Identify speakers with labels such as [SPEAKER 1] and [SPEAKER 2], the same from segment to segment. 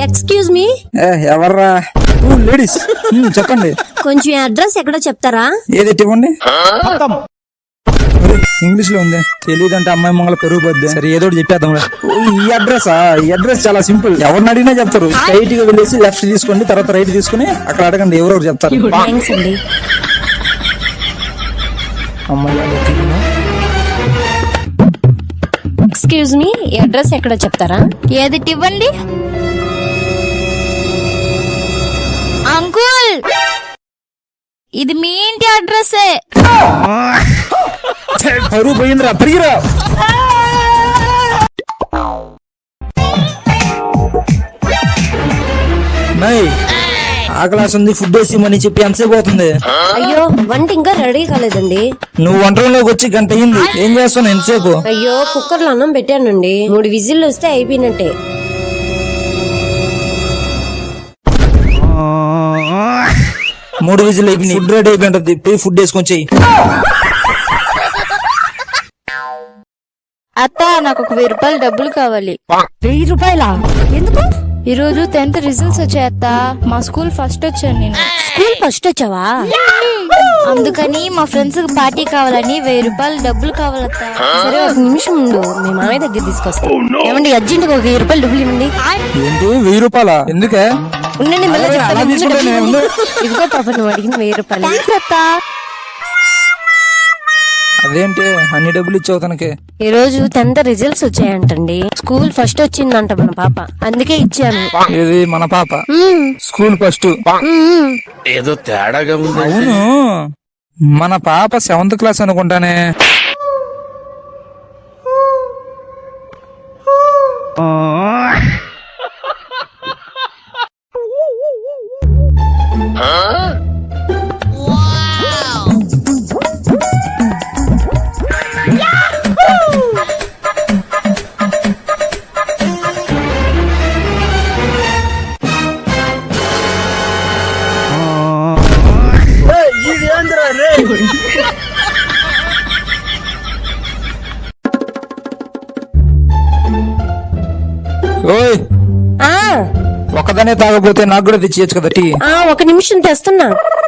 [SPEAKER 1] Excuse me.
[SPEAKER 2] ఎవర్రా? Ladies చెప్పండి.
[SPEAKER 1] కొంచెం అడ్రస్ ఎక్కడో చెప్తారా?
[SPEAKER 2] ఏదైతే ఇవ్వండి. ఇంగ్లీష్ లో ఉంది. తెలియదంటే అమ్మాయి మంగళ పెరుగు పోద్ది. సరే ఏదో చెప్పేద్దాం. ఈ అడ్రస్ చాలా సింపుల్. ఎవరిని అడిగినా చెప్తారు. స్ట్రైట్ గా వెళ్ళేసి లెఫ్ట్ తీసుకోండి, తర్వాత రైట్ తీసుకుని అక్కడ అడగండి, ఎవరెవరు చెప్తారు.
[SPEAKER 1] థ్యాంక్స్ అండి. ఎక్స్క్యూజ్ మీ, ఈ అడ్రస్ ఎక్కడో చెప్తారా?
[SPEAKER 3] ఏది ఇవ్వండి. అంకుల్, ఇది మీ ఇంటి అడ్రస్సే.
[SPEAKER 2] పరుగు పోయిందిరా, పరిగిరా. ఆ క్లాస్ ఉంది, ఫుడ్ వేసి మని చెప్పి ఎంతసేపు అవుతుంది?
[SPEAKER 1] అయ్యో, వంట ఇంకా రెడీ కాలేదండి.
[SPEAKER 2] నువ్వు వంట రూమ్లోకి వచ్చి గంట అయింది. ఏం చేస్తున్నావు ఎంతసేపు?
[SPEAKER 1] అయ్యో, కుక్కర్ లో అన్నం పెట్టానండి. 3 విజిల్లు వస్తే అయిపోయినట్టే.
[SPEAKER 2] మూడు విజిల్ అయిపోయింది. ఫుడ్ రెడీ అయిపోయింది. పోయి ఫుడ్ వేసుకొని చెయ్యి.
[SPEAKER 3] అత్త, నాకు 1000 రూపాయలు డబ్బులు కావాలి.
[SPEAKER 1] 1000 రూపాయలా? ఎందుకు?
[SPEAKER 3] ఈ రోజు 10th రిజల్ట్స్ వచ్చాయి అత్త. మా స్కూల్ ఫస్ట్ వచ్చాను నేను.
[SPEAKER 1] స్కూల్ ఫస్ట్ వచ్చావా?
[SPEAKER 3] అందుకని మా ఫ్రెండ్స్ కి పార్టీ కావాలని 1000 రూపాయలు డబ్బులు కావాలత్త.
[SPEAKER 1] సరే, 1 నిమిషం ఉండు, మీ మామయ్య దగ్గర తీసుకొస్తా. ఏమండి, అర్జెంట్ గా 1000 రూపాయలు డబ్బులు ఇవ్వండి.
[SPEAKER 2] ఏంటి 1000 రూపాయలా? ఎందుకే?
[SPEAKER 1] ఉండండి, మళ్ళీ చెప్తాను.
[SPEAKER 2] అలా తీసుకుంటే
[SPEAKER 1] ఇదిగో పాప, నువ్వు అడిగిన 1000 రూపాయలు.
[SPEAKER 3] థాంక్స్ అత్త.
[SPEAKER 2] అదేంటి అన్ని డబ్బులు ఇచ్చావు తనకి?
[SPEAKER 1] ఈ రోజు 10th రిజల్ట్స్ వచ్చాయంటండి. స్కూల్ ఫస్ట్ వచ్చిందంట మన పాప, అందుకే ఇచ్చాను.
[SPEAKER 2] ఏది మన పాప? School first?
[SPEAKER 4] ఏదో తేడాగా ఉంది.
[SPEAKER 2] అవును, మన పాప 7th క్లాస్ అనుకుంటానే. ఓయ్, ఒక్కదానే తాగపోతే నాకు కూడా తెచ్చియచ్చు కదా టీ.
[SPEAKER 1] 1 నిమిషం తెస్తున్నా.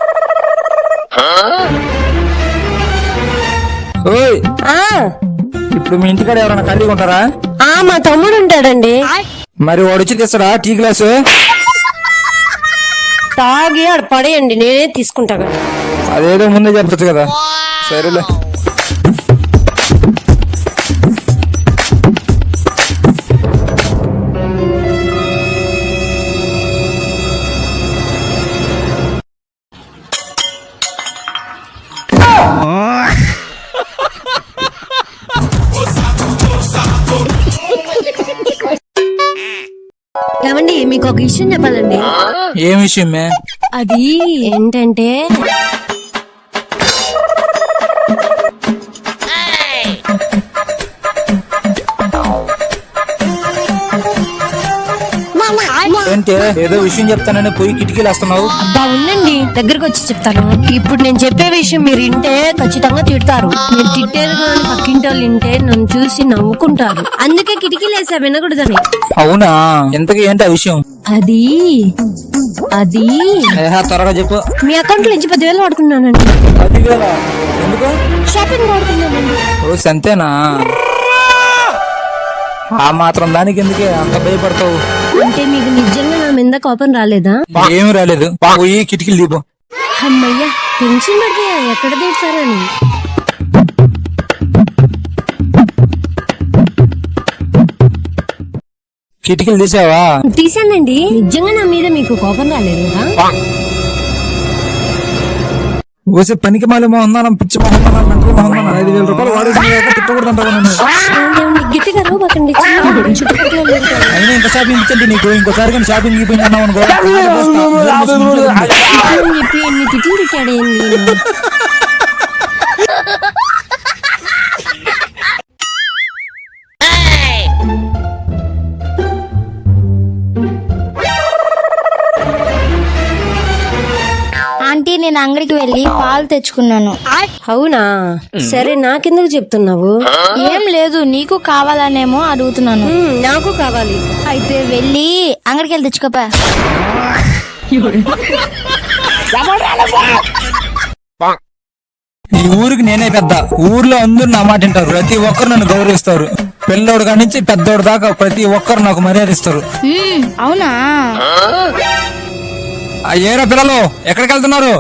[SPEAKER 2] ఓయ్, ఇప్పుడు మీ ఇంటికాడ ఎవరైనా ఖాళీగా ఉంటారా?
[SPEAKER 1] మా తమ్ముడు ఉంటాడండి.
[SPEAKER 2] మరి వాడు వచ్చి తెస్తాడా టీ గ్లాసు?
[SPEAKER 1] తాగి ఆడ పడేయండి, నేనే తీసుకుంటా కదా.
[SPEAKER 2] అదేదో ముందే చెప్పచ్చు కదా. సరేలే.
[SPEAKER 1] ఏమండి, మీకు ఒక విషయం చెప్పాలండి.
[SPEAKER 2] ఏం విషయమే?
[SPEAKER 1] అది ఏంటంటే,
[SPEAKER 2] ఏంటే ఏదో విషయం చెప్తానని పోయి కిటికీలు వస్తున్నావు?
[SPEAKER 1] అబ్బా ఉండండి, దగ్గరకు వచ్చి చెప్తాను. ఇప్పుడు నేను చెప్పే విషయం మీరు వింటే ఖచ్చితంగా తిడతారు. మీరు తిట్టారు కానీ పక్కింటి వాళ్ళు వింటే నన్ను చూసి నవ్వుకుంటారు. అందుకే కిటికీలు వేసా, వినకూడదని.
[SPEAKER 2] అవునా? ఎంతకీ ఏంటి ఆ విషయం?
[SPEAKER 1] అది
[SPEAKER 2] త్వరగా చెప్పు.
[SPEAKER 1] మీ అకౌంట్ నుంచి 10,000 వాడుకున్నానండి.
[SPEAKER 2] 10,000? ఎందుకు?
[SPEAKER 1] షాపింగ్ వాడుకున్నానండి.
[SPEAKER 2] ఓ సంతేనా? ఆ మాత్రం దానికి ఎందుకే అంత భయపడతావు?
[SPEAKER 1] అంటే మీకు నిజంగా నా మీద కోపం రాలేదా?
[SPEAKER 2] ఏమి రాలేదు. పోయి కిటికీలు దీపం.
[SPEAKER 1] అమ్మయ్యా, టెన్షన్ పడిపోయా ఎక్కడ తీర్చారని.
[SPEAKER 2] కిటికీలు తీసావా?
[SPEAKER 1] తీసానండి. నిజంగా నా మీద మీకు కోపం రాలేదు కదా?
[SPEAKER 2] ఓసే పనికి మాలి మొహందానం, పిచ్చి మొహందానం, మెంటల్ మొహందానం. 5,000 రూపాయలు వాడేసి తిట్టకూడదంటావా నన్ను?
[SPEAKER 1] గట్టిగా రాబకండి, చుట్టుపక్కల
[SPEAKER 2] అయినా ఇంత షాపింగ్ ఇచ్చండి నీకు. ఇంకోసారి కానీ షాపింగ్ అయిపోయింది అన్నావు అనుకో.
[SPEAKER 1] చెప్పి ఎన్ని తిట్లు తిట్టాడేంది.
[SPEAKER 3] ఆంటీ నేను అంగడికి వెళ్ళి పాలు తెచ్చుకున్నాను.
[SPEAKER 1] అవునా? సరే నాకెందుకు చెప్తున్నావు?
[SPEAKER 3] ఏం లేదు, నీకు కావాలనేమో అడుగుతున్నాను.
[SPEAKER 1] నాకు కావాలి.
[SPEAKER 3] అయితే వెళ్ళి అంగడికి వెళ్ళి తెచ్చుకోపా.
[SPEAKER 2] ఈ ఊరికి నేనే పెద్ద. ఊర్లో అందరూ నా మాట వింటారు. ప్రతి ఒక్కరు నన్ను గౌరవిస్తారు. పిల్లోడు కాడి నుంచి పెద్దోడు దాకా ప్రతి ఒక్కరు నాకు మర్యాద ఇస్తారు.
[SPEAKER 3] అవునా?
[SPEAKER 2] ఏరా పిల్లలు, ఎక్కడికి వెళ్తున్నారు?